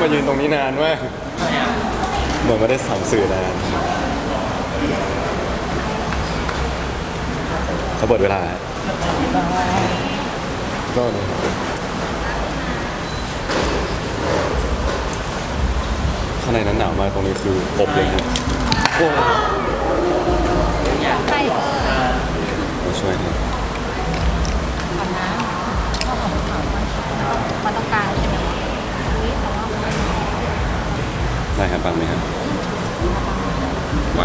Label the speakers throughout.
Speaker 1: มายืนตรงนี้นานมากเหมือนไม่ได้สัมสื่อนานเขาเปิดเวลาก็ข้างในนั้นหนาวมากตรงนี้คืออบเลยครับโอ้
Speaker 2: ใช่
Speaker 1: มาช่วยหน่อย
Speaker 2: ก่อนนะข้าวหอมขาวมันต้องการใช่ไหมนี่แต่ว่า
Speaker 1: ได้ครับปังไหมครับไหว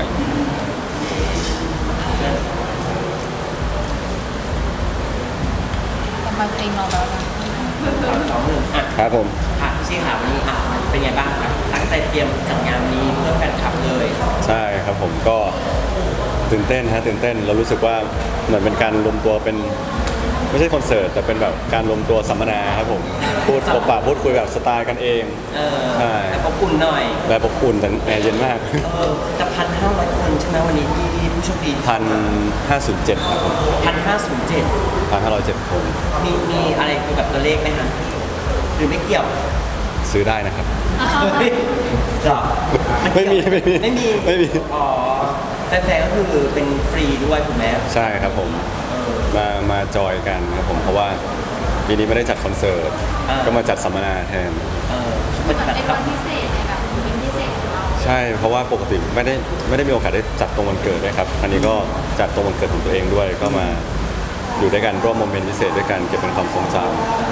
Speaker 2: กำลังเต็งเราแล้วนะ
Speaker 3: 2-1อ่ะ
Speaker 1: ครับผม
Speaker 3: ค่ะพี่ชี่ค่ะวันนี้อ่ะเป็นไงบ้างคะตั้งใจเตรียมจัดงานวันนี้เพื่อแฟนคลับเลย
Speaker 1: ใช่ครับผมก็ตื่นเต้นฮะตื่นเต้นเรารู้สึกว่าเหมือนเป็นการรวมตัวเป็นไม่ใช่คอนเสิร์ตแต่เป็นแบบการรวมตัวสัมมนาครับผมพูดพบปะพูดคุยแบบสไตล์กันเอง ใช่
Speaker 3: แต่อบอุ่นหน่อย
Speaker 1: แบบอบอุ่นแต่แอร์เย็นมาก
Speaker 3: จะ1,500 คนใช่ไหมวันนี้ที่ผู้โชคดี
Speaker 1: 1,507ครับผม
Speaker 3: 1,507
Speaker 1: 1,507 คน
Speaker 3: มีอะไรเกี่ยวกับตัวเลขไหมคะหรือไม่เกี่ยว
Speaker 1: ซื้อได้นะครับ
Speaker 3: หรอ
Speaker 1: ไม่มี
Speaker 3: ไม่มีอ๋อแฟนๆก็คือเป็นฟรีด้วยถูกไหม
Speaker 1: ใช่ครับผมมาจอยกันครับผมเพราะว่าปีนี้ไม่ได้จัดคอนเสิร์ตก็มาจัดสัมมนาแทน
Speaker 3: มัน
Speaker 2: เหมือน
Speaker 3: แบบ
Speaker 2: เป็นวันพิเศษในแบบเป็นพิเศษของเรา
Speaker 1: ใช่เพราะว่าปกติไม่ได้มีโอกาสได้จัดตรงวันเกิดด้วยครับอันนี้ก็จัดตรงวันเกิดของตัวเองด้วยก็มาอยู่ด้วยกันร่วมโมเมนต์พิเศษด้วยกันเก็บเป็นความทรงจ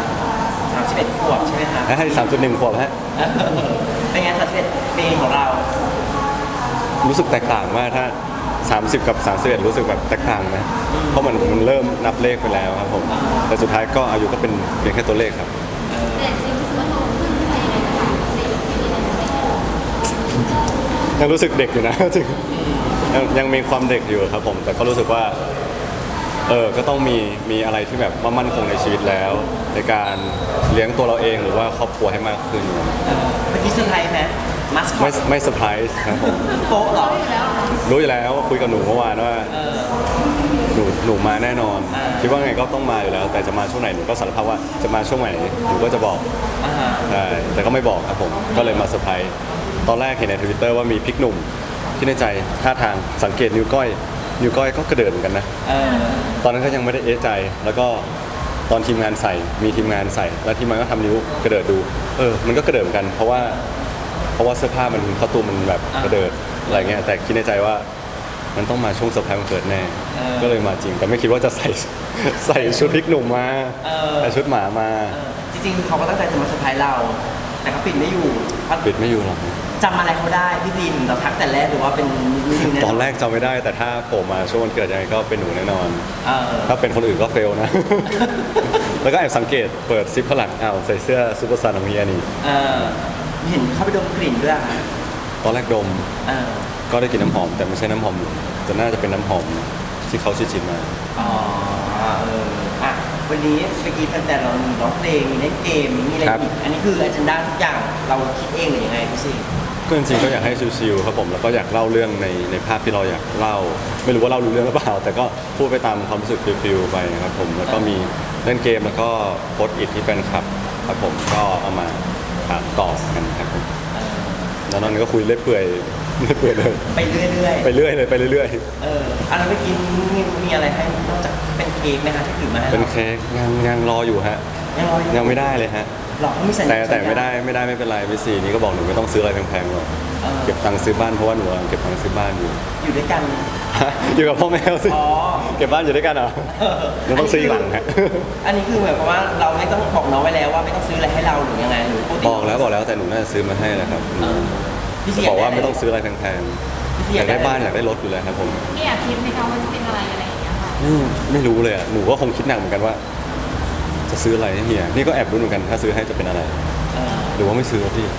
Speaker 3: 31 ขวบใช่ไหมคะ
Speaker 1: ำให้3.1 ขวบฮะ
Speaker 3: เป็นไง31 ปีของเรา
Speaker 1: รู้สึกแตกต่างมากถ้า30กับ31รู้สึกแบบแตกต่างนะเพราะมันเริ่มนับเลขไปแล้วครับผมแต่สุดท้ายก็อายุก็เป็นเพียงแค่ตัวเลขครับ
Speaker 2: แต่จริงๆรู้สึกว่าโตขึ้นไปยังไงนะคะในยุคที่นี่ไม่โต
Speaker 1: ยังรู้สึกเด็กอยู่นะ จริงยังมีความเด็กอยู่ครับผมแต่ก็รู้สึกว่าก็ต้องมีอะไรที่แบบว่ามั่นคงในชีวิตแล้ว ในการเลี้ยงตัวเราเองหรือว่าครอบครัวให้มากขึ้น
Speaker 3: เมื่อกี้เซอร์ไพรส์ไหมมัสคอ
Speaker 1: ไม่
Speaker 3: ต
Speaker 1: ไม่เซอร์ไพรส์ครับผม
Speaker 3: โป๊ะเหรอ
Speaker 1: รู้อยู่แล้วคุยกับหนูเมื่อวานว่าหนูมาแน่นอน คิดว่าไงก็ต้องมาอยู่แล้ว แต่จะมาช่วงไหนหนูก็สารภาพว่าจะมาช่วงไหนหนูก็จะบอก
Speaker 3: อ่าฮะ
Speaker 1: ใช่แต่ก็ไม่บอกครับผมก็เลยมาเซอร์ไพรส์ตอนแรกเห็นใน Twitter ว่ามีพริกหนุ่มที่ในใจท่าทางสังเกตนิ้วก้อยก็กระเดิดเหมือนกันนะ ตอนนั้นก็ยังไม่ได้เอะใจ แล้วก็ตอนทีมงานใส่มีทีมงานใส่ แล้วทีมงานก็ทำนิ้วกระเดิดดูมันก็กระเดิดเหมือนกัน เพราะว่าเสื้อผ้ามันคอตูมมันแบบกระเดิดอะไรเงี้ยแต่คิดในใจว่ามันต้องมาช่วงเซอร์ไพรส์วันเกิดแน่ก็เลยมาจริงแต่ไม่คิดว่าจะใส่ชุดพริกหนุ่มมาใส่ชุดหมามา
Speaker 3: จริงๆเขาก็ตั้งใจจะมาเซอร์ไพรส์เรา แต่เขาปิดไม่อยู่
Speaker 1: ปิดไม่อยู่หรอก
Speaker 3: จำอะไรเขาได้พี่บีนเราทักแต่แรกหรือว่าเป็นนิวแน่
Speaker 1: ตอนแรกจำไม่ได้แต่ถ้าโผล่มาช่วงวันเกิดยังไงก็เป็นหนูแน่นอน
Speaker 3: เออ
Speaker 1: ถ้าเป็นคนอื่นก็เฟลนะ แล้วก็แอบสังเกตเปิดซิปข้างหลังใส่เสื้อซูเปอร์ซันของเมียนี่
Speaker 3: เออเห็นเขาไปดมกลิ่นด้วยอะ
Speaker 1: ตอนแรกดม
Speaker 3: เออ
Speaker 1: ก็ได้กลินน้ำหอม แต่ไม่ใช่น้ำหอมหนูแต่น่าจะเป็นน้ำหอมที่เขาชินๆมา
Speaker 3: อ๋ออ่ะวันนี้เมื่อกี้แฟนๆเรามีร้องเพลงมีเล่นเกมมีอะไร
Speaker 1: ครับ
Speaker 3: อีกอันนี้คืออ g e n d a ทุกอย่างเราคิดเองหรือยังไงพี่ซี
Speaker 1: ก็จริงๆก็อยากให้ชิลๆครับผมแล้วก็อยากเล่าเรื่องในภาพที่เราอยากเล่า ไม่รู้ว่าเล่ารู้เรื่องหรือเปล่า แต่ก็พูดไปตามความรู้สึกฟิลๆไปครับผมแล้วก็มีเล่นเกมแล้วก็โพสต์อิทที่แฟนคลับครับผมก็เอามาถามตอบกันครับผมแล้วนอกนั้นก็คุยเรื่อยเปื่อยเลย
Speaker 3: ไปเรื่อยๆ
Speaker 1: ไปเรื่อยเลยไปเรื่อย
Speaker 3: อันนั้นเมื่อกี้มีอะไรให้นอกจากเป็นเค้กไหมคะที่ถือมาให้
Speaker 1: ๆเป็นเค้กยังรออยู่ฮะ
Speaker 3: ยังรออยู่
Speaker 1: ยังไม่ได้เลยฮะ
Speaker 3: หรอเขามีสัญญา
Speaker 1: แต่ไม่เป็นไรพี่ซีนี่ก็บอกหนูไม่ต้องซื้ออะไรแพงๆหรอกเก็บตังค์ซื้อบ้านเพราะว่าหนูกำลังเก็บตังค์ซื้อบ้านอยู่
Speaker 3: อยู่ด้วยกัน
Speaker 1: อยู่กับพ่อแม่สิ
Speaker 3: อ๋อ
Speaker 1: เก็บบ้านอยู่ด้วยกันเหรอหนูต้องซื้ออีกหลังฮะ
Speaker 3: อันนี้คือหมายความว่าเราไม่ต้องบอกน้องไว้แล้วว่าไม่ต้องซื้ออะไรให้เราหรือยังไงหรือปติ
Speaker 1: บอกแล้วแต่หนูน่าจะซื้อมาให้แหละครับ
Speaker 3: พี่ซี
Speaker 1: บอกว่าไม่ต้องซื้ออะไรแพง
Speaker 3: พี่ซี
Speaker 1: ๆอยากได้บ้านอยากได้รถอยู่แล้วครับผม
Speaker 2: ที่อยากคิดไหมคะว่าจะเป็นอะไรอะไรอย่างเงี้ยค่ะ
Speaker 1: ไม่รู้เลยอ่ะหนูก็คงคิดหนักเหมือนกันว่า จะซื้ออะไรให้เฮียนี่ก็แอบรุ้นเหมือนกันถ้าซื้อให้จะเป็นอะไร หรือว่าไม่ซื้อพี่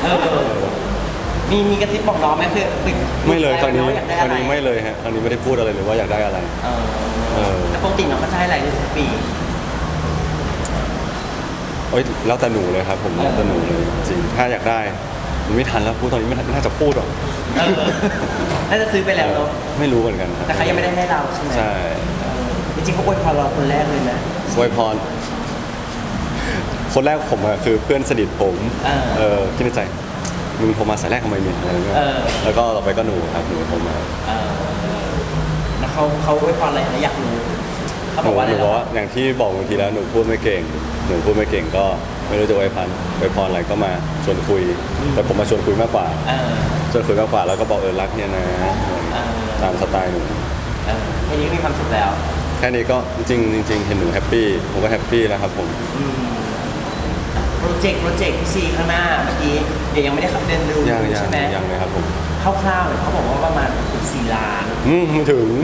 Speaker 3: มีกระซิบบอกน้องไหมคือ
Speaker 1: ไม่เลยครั้งนี้
Speaker 3: อยากได้อะไร
Speaker 1: ไม่เลยฮะครั้งนี้ไม่ได้พูดอะไรเลยว่าอยากได้อะไร
Speaker 3: แต่ปกติน้องเขาจะให้อะไรในทุกปี
Speaker 1: แล้วแต่หนูเลยครับผมแล้วแต่หนูเลยจริงถ้าอยากได้มันไม่ทันแล้วพูดตอนนี้ไม่น่าจะพูดหรอก
Speaker 3: น่าจะซื้อไปแล้วเนาะ
Speaker 1: ไม่รู้เหมือนกันครับ
Speaker 3: แต่เขายังไม่ได้ให้เราใช่ไหม
Speaker 1: ใช่
Speaker 3: จริงๆเขาอวยพรเราคนแรกเลยนะ
Speaker 1: อวยพรคนแรกผมอะคือเพื่อนสนิทผม
Speaker 3: เออ
Speaker 1: คิดในใจมึงโทรมาสายแรกทำไมเนี่ยอะไรเงี้ย
Speaker 3: เออ
Speaker 1: แล้วก็ต่อไปก็หนูครับหนูโทรมา
Speaker 3: เออแล้วเขาไว้พรอะไรนะอยากรู้เขา
Speaker 1: ห
Speaker 3: บ
Speaker 1: นู
Speaker 3: อกว่าอะไร
Speaker 1: หนู
Speaker 3: เหร
Speaker 1: บอก
Speaker 3: อ
Speaker 1: ว่าอย่างที่บอกบางทีแล้วหนูพูดไม่เก่งก็ไม่รู้จะไว้พรอะไรก็มาชวนคุย แต่ผมมาชวนคุยมากกว่า
Speaker 3: เออ
Speaker 1: ชวนคุยมากกว่าแล้วก็บอกรักเนี่ยนะ ตามสไตล์หนู
Speaker 3: แค่นี้มีความสุขแล้ว
Speaker 1: แค่นี้ก็จริงเห็นหนูแฮปปี้ผมก็แฮปปี้แล้วครับผม
Speaker 3: โปรเจกต์พี่ซีข้างหน้าเมื่อกี้เดี๋ยวยังไม่ได้ขับเดินดู
Speaker 1: ยัง
Speaker 3: ใช่ไหม
Speaker 1: เลยครับผม
Speaker 3: คร่าวๆเนี่ยเขาบอกว่าประมาณ4 ล้าน
Speaker 1: ไม่ถึง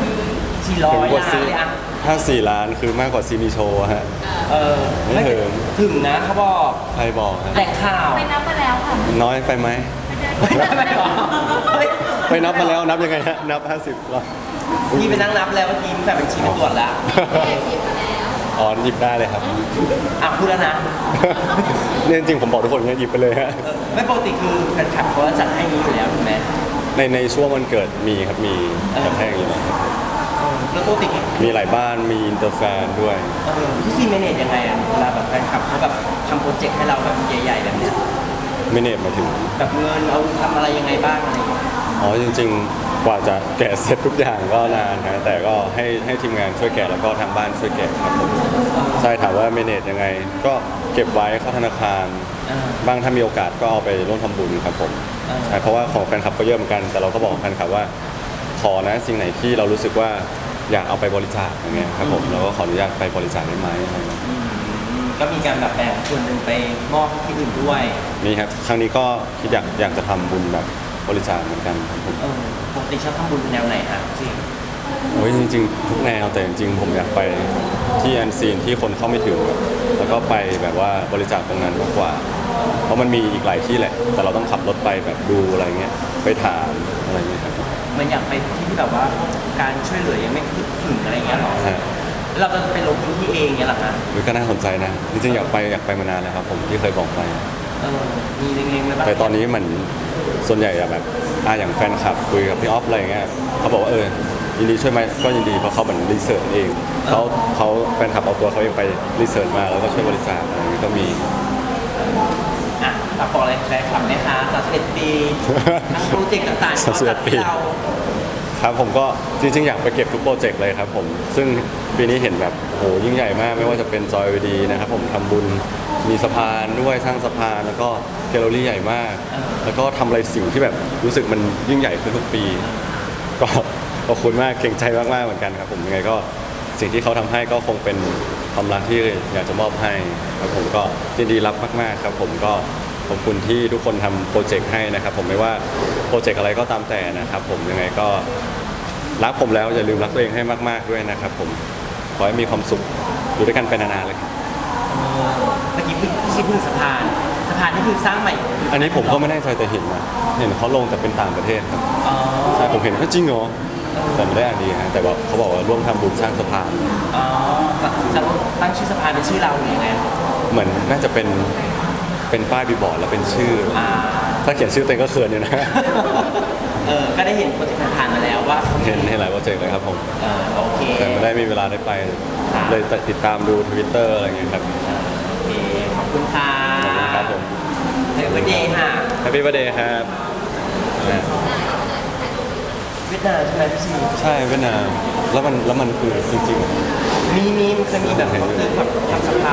Speaker 3: 400
Speaker 1: ถึงกว่า
Speaker 3: ล้าน
Speaker 1: ซี
Speaker 3: เลยอะ
Speaker 1: ถ้า4 ล้านคือมากกว่าซีมีโชว์ฮะ
Speaker 3: เออ
Speaker 1: ไม่ถึง
Speaker 3: ถึงนะเขาบอก
Speaker 1: ใครบอกฮะ
Speaker 3: แหล่งข่าว
Speaker 2: ไปนับมาแล้วค่ะ
Speaker 1: น้อยไปไหม
Speaker 3: ไม่หรอเฮ้ย
Speaker 1: ไปนับมาแล้วนับยังไงฮะนับ 50หรอ
Speaker 3: พี่ไปนั่งนับแล้วเมื่อกี้มีแฟนบัญชีไปตรวจแล้ว
Speaker 1: อ๋อหยิบได้เลยครับ
Speaker 3: อ่ะพูดแล้วนะ
Speaker 1: เนี่ยจริงๆผมบอกทุกคนเนี่ยหยิบไปเลยฮะ
Speaker 3: ไม่ปกติคือแฟนคลับเขาจะจัดให้นี้อยู่แล้วถูกไหม
Speaker 1: ในช่วงวันเกิดมีครับมีกระแทกอยู่แล้วครับ
Speaker 3: แล้วปกติ
Speaker 1: มีหลายบ้านมีอินเตอร์แฟนด้วย
Speaker 3: พี่ซีเมเนจยังไงอะเวลาแบบแฟนคลับเขาแบบทำโปรเจกต์ให้เราแบบใหญ่ๆแบบเนี้ย
Speaker 1: ไม่เนตมาถึง
Speaker 3: แบบเงินเอาทำอะไรยังไงบ้างอะไรอย่างเงี้ย
Speaker 1: อ๋อจริงๆ กว่าจะแกะเสร็จทุกอย่างก็นานนะแต่ก็ให้ทีมงานช่วยแกะแล้วก็ทางบ้านช่วยแกะครับผมใช่ถามว่าเมเนจยังไง ก็เก็บไว้เข้าธนาคารบ้างถ้ามีโอกาสก็เอาไปร่วมทำบุญครับผมใช่เพราะว่าของแฟนคลับก็เยอะเหมือนกัน แต่เราก็บอกแฟนคลับว่าขอนะสิ่งไหนที่เรารู้สึกว่าอยากเอาไปบริจาคอย่างเงี้ยครับผมเราก็ขออนุญาตไปบริจาคได้ไหมอะไรเงี้ย
Speaker 3: ก็มีการแบบแบ่งส่วนหนึ่งไปมอบที่อื่นด้วย
Speaker 1: นี่ครับครั้งนี้ก็คิดอยากจะทำบุญแบบบริจาคเหมือนกันครับผม
Speaker 3: ปกติชอบทำบุญแนวไหนฮะจริง
Speaker 1: โอ้ยจริงๆทุกแนวแต่จริงๆผมอยากไปที่อันซีนที่คนเข้าไม่ถึงอะแล้วก็ไปแบบว่าบริจาคตรงนั้นมากกว่า เพราะมันมีอีกหลายที่แหละ แต่เราต้องขับรถไปแบบดูอะไรเงี้ยไปถามอะไรเงี้ยครับ
Speaker 3: มันอยากไปที่ที่แบบว่าการช่วยเหลือยังไม่ถึงอะไรเงี้ยหรอ
Speaker 1: ฮะ
Speaker 3: แล้วเราจะไปลงพื้นที่เองเงี้ยหรอฮะ
Speaker 1: หรือก็น่าสนใจนะจริงๆอยากไปมานานแล้วครับผมที่เคยบอกไป
Speaker 3: มีเล็งๆไว้บ้าง
Speaker 1: แต่ตอนนี้มันส่วนใหญ่อะแบบอย่างแฟนคลับคุยกับพี่ออฟอะไรเงี้ยเขาบอกว่ายินดีช่วยไหมก็ยินดีเพราะเขาเหมือนรีเสิร์ชเองเขาแฟนคลับเอาตัวเขาเองไปรีเสิร์ชมาแล้วก็ช่วยบริจาคอะไรเงี้ยก็มี
Speaker 3: อ่ะฝากบอกอะไรแฟนคลับไหมคะ31 ปีทั้งโปรเจกต์ต่างๆที่เขาจัดให้เรา
Speaker 1: ครับผมก็จริงๆ อยากไปเก็บทุกโปรเจกต์เลยครับผมซึ่งปีนี้เห็นแบบโหยิ่งใหญ่มากไม่ว่าจะเป็นจอยวีดีนะครับผมทำบุญมีสะพานด้วยสร้างสะพานแล้วก็แกลเลอรี่ใหญ่มาก แล้วก็ทำอะไรสิ่งที่แบบรู้สึกมันยิ่งใหญ่ขึ้นทุกปี ก็ขอบคุณมากเก่งใจมากๆเหมือนกันครับผมยังไงก็สิ่งที่เขาทำให้ก็คงเป็นความรักที่อยากจะมอบให้ครับผมก็ยินดีรับมากๆครับผมก็ขอบคุณที่ทุกคนทำโปรเจกต์ให้นะครับผมไม่ว่าโปรเจกต์อะไรก็ตามแต่นะครับผมยังไงก็รักผมแล้วอย่าลืมรักตัวเองให้มากๆด้วยนะครับผมขอให้มีความสุขอยู่ด้วยกันไปนานๆเลยครับ
Speaker 3: เมื่อกี้พี่ซีพึ่งสะพานนี่คือสร้างใหม่
Speaker 1: อันนี้ผมก็ไม่แน่ใจแต่เห็นนะเห็นเขาลงแต่เป็นต่างประเทศครับ
Speaker 3: อ๋อ
Speaker 1: ใช่ผมเห็นก็จริงเหรอแต่ไม่ได้อ่านดีฮะแต่ว่าเขาบอกว่าร่วมทำบุญสร้างสะพาน
Speaker 3: อ๋อจะตั้งชื่อสะพานเป็นชื่อเราหรือยังไง
Speaker 1: เหมือนน่าจะเป็นป้ายบีบอร์ดแล้วเป็นชื่อ ถ้าเขียนชื่อเต็งก็เขินอยู่นะ
Speaker 3: ก็ได้เห็นโปรเจกต์ผ่านๆมาแล้วว่า
Speaker 1: เห็นหลายโปรเจกต์เลยครับผม
Speaker 3: โอเค
Speaker 1: แต่ไม่ได้มีเวลาได้ไป เลยติดตามดู Twitter อะไรอย่างเงี้ยครับ
Speaker 3: โอเค ขอบคุณค่ะ
Speaker 1: ขอบคุณครับผม
Speaker 3: เฮ้ยวันเดย์ค่ะ
Speaker 1: Happy Birthday ครับนะ
Speaker 3: เวียดนามใช่ไหมพี่ซี
Speaker 1: ใช่เวียดนามแล้วมันคือจริง
Speaker 3: มีมันเคยมีแบบเขาซื้อแบบทำสะพาน